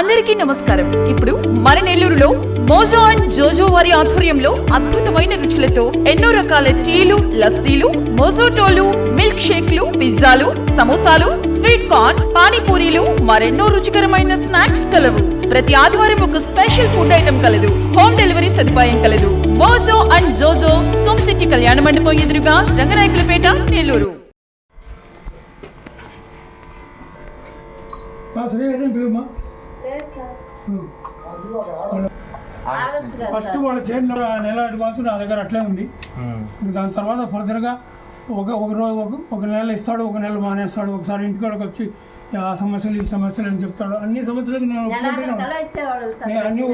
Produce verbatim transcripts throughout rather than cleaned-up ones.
అందరికీ నమస్కారం. ఇప్పుడు మన నెల్లూరులో మోజో అండ్ జోజో వారి ఆధ్వర్యంలో అద్భుతమైన రుచులతో ఎన్నో రకాల టీలు, లస్సీలు, మోజోటోలు, మిల్క్ షేక్లు, పిజ్జాలు, సమోసాలు, స్వీట్ కార్న్, పానీపూరీలు, మరెన్నో రుచికరమైన స్నాక్స్ కలవు. ప్రతి ఆదివారం ఒక స్పెషల్ ఫుడ్ ఐటమ్ కలదు. హోమ్ డెలివరీ సదుపాయం కలదు. మోజో అండ్ జోజో సోమ్ సిటీ కళ్యాణ మండపం ఎదురుగా, రంగనాయకులపేట, నెల్లూరు. ఫస్ట్ వాళ్ళ చేతిలో నెల అడ్వాన్స్ నా దగ్గర అట్లే ఉంది. దాని తర్వాత ఫర్దర్గా ఒక ఒక రోజు ఒక ఒక నెల ఇస్తాడు, ఒక నెల మానేస్తాడు. ఒకసారి ఇంటికాడికి వచ్చి ఆ సమస్యలు ఈ సమస్యలు అని చెప్తాడు. అన్ని సమస్యలకు నేను అన్ని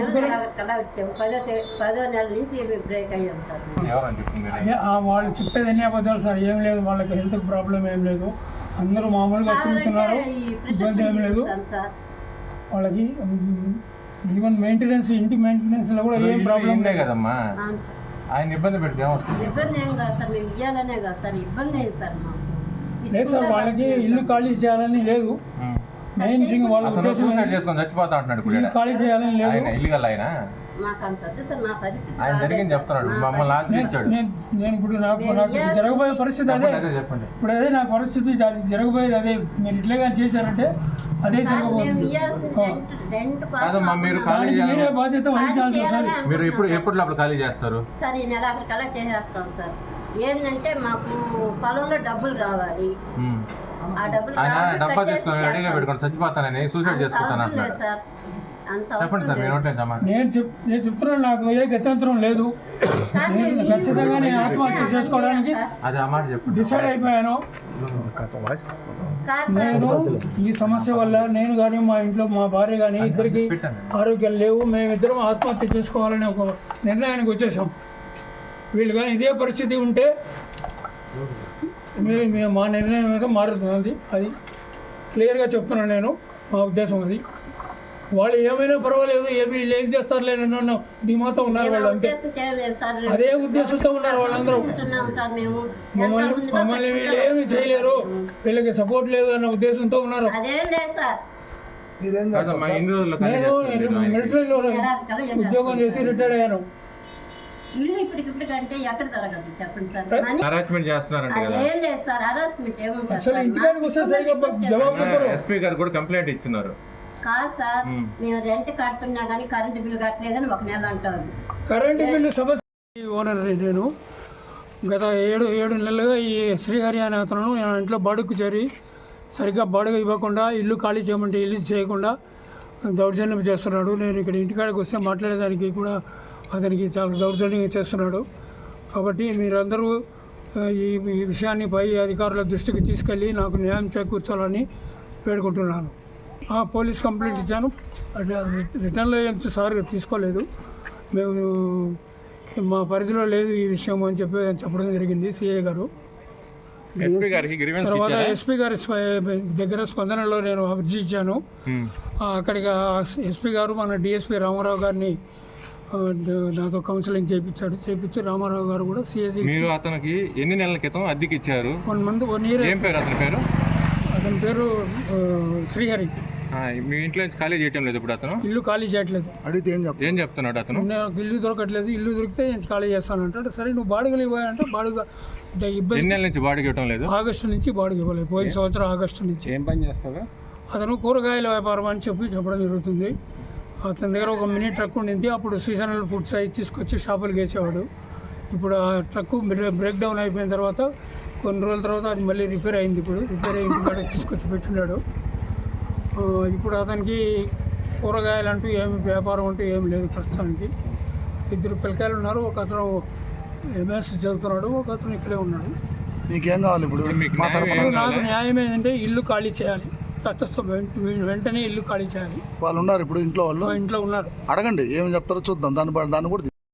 వాళ్ళు చెప్పేది అన్ని అబద్ధాలు సార్. ఏం లేదు, వాళ్ళకి హెల్త్ ప్రాబ్లం ఏం లేదు. అందరూ మామూలుగా తింటున్నారు, ఇబ్బంది ఏం లేదు వాళ్ళకి. ఈవెన్ మెయింటెనెన్స్, ఇంటి మెయింటెనెన్స్ లో కూడా ఏం ప్రాబ్లం లేదు కదమ్మా. ఆయన ఇబ్బంది పెడితే లేదు సార్, వాళ్ళకి ఇల్లు ఖాళీ చేయాలని లేదు. మెయిన్ థింగ్ వాళ్ళ ఉద్దేశం చేసుకొని చచ్చిపోతా అంటున్నాడు. ఇల్లు ఖాళీ చేయాలని లేదు. ఇల్లు గల ఆయన ఆయన జరిగింది చెప్తున్నాడు. మమ్మల్ని ఆశ్రయించాడు. నేను ఇప్పుడు నాకు నాకు జరగబోయే పరిస్థితి అదే. చెప్పండి. ఇప్పుడు అదే నా పరిస్థితి, జరగబోయేది అదే. మీరు ఇట్లా చేశారంటే అదే జరగబోతుంది. మీరు ఖాళీ మీరే బాధ్యత వహించాల్సి వస్తుంది. మీరు ఎప్పుడు ఎప్పుడు లోపల ఖాళీ చేస్తారు సార్? ఈ నెల అక్కడ కలెక్ట్ చేసేస్తాం సార్. ఏంటంటే మాకు పొలంలో డబ్బులు కావాలి. ఆ డబ్బులు డబ్బా తీసుకొని రెడీగా పెట్టుకొని చచ్చిపోతానని సూసైడ్ చేసుకుంటాను అంటున్నాడు. చెప్పండి సార్. నేను చెప్ నేను చెప్తున్నాను, నాకు ఏ గత్యంతరం లేదు. ఖచ్చితంగా నేను ఆత్మహత్య చేసుకోవడానికి డిసైడ్ అయిపోయాను. నేను ఈ సమస్య వల్ల నేను కానీ మా ఇంట్లో మా భార్య కానీ ఇద్దరికి ఆరోగ్యాలు లేవు. మేమిద్దరం ఆత్మహత్య చేసుకోవాలని ఒక నిర్ణయానికి వచ్చేసాం. వీళ్ళు కానీ ఇదే పరిస్థితి ఉంటే మా నిర్ణయం మీద మారుతుంది. అది క్లియర్గా చెప్తున్నాను నేను. మా ఉద్దేశం అది. వాళ్ళు ఏమైనా పర్వాలేదు, ఏమి వీళ్ళు ఏం చేస్తారులే నన్ను ధీమాతో ఉన్నారు వాళ్ళు. అంతే, అదే ఉద్దేశంతో ఉన్నారు వాళ్ళందరూ. మమ్మల్ని మమ్మల్ని వీళ్ళు ఏమి చేయలేరు, వీళ్ళకి సపోర్ట్ లేదు అన్న ఉద్దేశంతో ఉన్నారు. నేను మిలిటరీలో ఉద్యోగం చేసి రిటైర్డ్ అయ్యాను. ఇల్లు ఇప్పటికిప్పుడు కంటే ఎక్కడ జరగదు చెప్పండి సార్. ఎస్పీ గారు కూడా కంప్లైంట్ ఇచ్చినారు. కాదు సార్, మేము రెంట్ కడుతున్నా కానీ కరెంటు బిల్లు కట్టలేదని ఒక నెల అంటారు. కరెంటు బిల్లు సమస్య ఓనర్ నేను గత ఏడు ఏడు నెలలుగా ఈ శ్రీహరి అనే అతను ఇంట్లో బాడుగు చేరి సరిగ్గా బాడుగ ఇవ్వకుండా, ఇల్లు ఖాళీ చేయమంటే ఇల్లు చేయకుండా దౌర్జన్యం చేస్తున్నాడు. నేను ఇక్కడ ఇంటికాడికి వస్తే మాట్లాడేదానికి కూడా అతనికి చాలా దౌర్జన్యంగా చేస్తున్నాడు. కాబట్టి మీరందరూ ఈ ఈ విషయాన్ని పై అధికారుల దృష్టికి తీసుకెళ్ళి నాకు న్యాయం చేకూర్చాలని వేడుకుంటున్నాను. పోలీస్ కంప్లైంట్ ఇచ్చాను. రిటర్న్లో ఏం సార్ తీసుకోలేదు. మేము మా పరిధిలో లేదు ఈ విషయం అని చెప్పి చెప్పడం జరిగింది సిఐ గారు. తర్వాత ఎస్పీ గారి దగ్గర స్పందనలో నేను అర్జీ ఇచ్చాను. అక్కడికి ఎస్పీ గారు మన డిఎస్పీ రామారావు గారిని నాతో కౌన్సిలింగ్ చేయించాడు. చేయించి రామారావు గారు కూడా సిఎస్సి. మీరు అతనికి ఎన్ని నెలల క్రితం అద్దెకి ఇచ్చారు? One month one year. ఏం పేరు అతని పేరు? అతని పేరు శ్రీహరి. మీ ఇంట్లో ఖాళీ చేయటం లేదు ఇప్పుడు? అతను ఇల్లు ఖాళీ చేయట్లేదు. అడిగితే ఏం ఏం చెప్తున్నాడు అతను? నాకు ఇల్లు దొరకట్లేదు, ఇల్లు దొరికితే నేను ఖాళీ చేస్తాను అంటాడు. సరే నువ్వు బాడుగలు ఇవ్వాలంటే బాడుగ ఇబ్బంది. ఎన్ని నెలల నుంచి బాడుగ ఇవ్వటం లేదు? ఆగస్టు నుంచి బాడుగ ఇవ్వలేదు. పోయిన సంవత్సరం ఆగస్టు నుంచి. ఏం పని చేస్తాడు అతను? కూరగాయల వ్యాపారం అని చెప్పి చెప్పడం జరుగుతుంది. అతని దగ్గర ఒక మినీ ట్రక్ ఉండింది. అప్పుడు సీజనల్ ఫుడ్స్ అవి తీసుకొచ్చి షాపులకు వేసేవాడు. ఇప్పుడు ఆ ట్రక్ బ్రేక్ డౌన్ అయిపోయిన తర్వాత కొన్ని రోజుల తర్వాత అది మళ్ళీ రిపేర్ అయింది. ఇప్పుడు రిపేర్ అయింది కాడ తీసుకొచ్చి పెట్టినాడు. ఇప్పుడు అతనికి కూరగాయలు అంటూ ఏమి వ్యాపారం అంటూ ఏమి లేదు ప్రస్తుతానికి. ఇద్దరు పిల్లకాయలు ఉన్నారు. ఒక అతను ఎంఎస్ చదువుతున్నాడు, ఒక అతను ఇక్కడే ఉన్నాడు. మీకేం కావాలి ఇప్పుడు? నాకు న్యాయం ఏంటంటే ఇల్లు ఖాళీ చేయాలి. తటస్థం వెంటనే ఇల్లు ఖాళీ చేయాలి. వాళ్ళు ఉన్నారు ఇప్పుడు ఇంట్లో? వాళ్ళు ఇంట్లో ఉన్నారు. అడగండి ఏమి చెప్తారో చూద్దాం. దాన్ని దాన్ని కూడా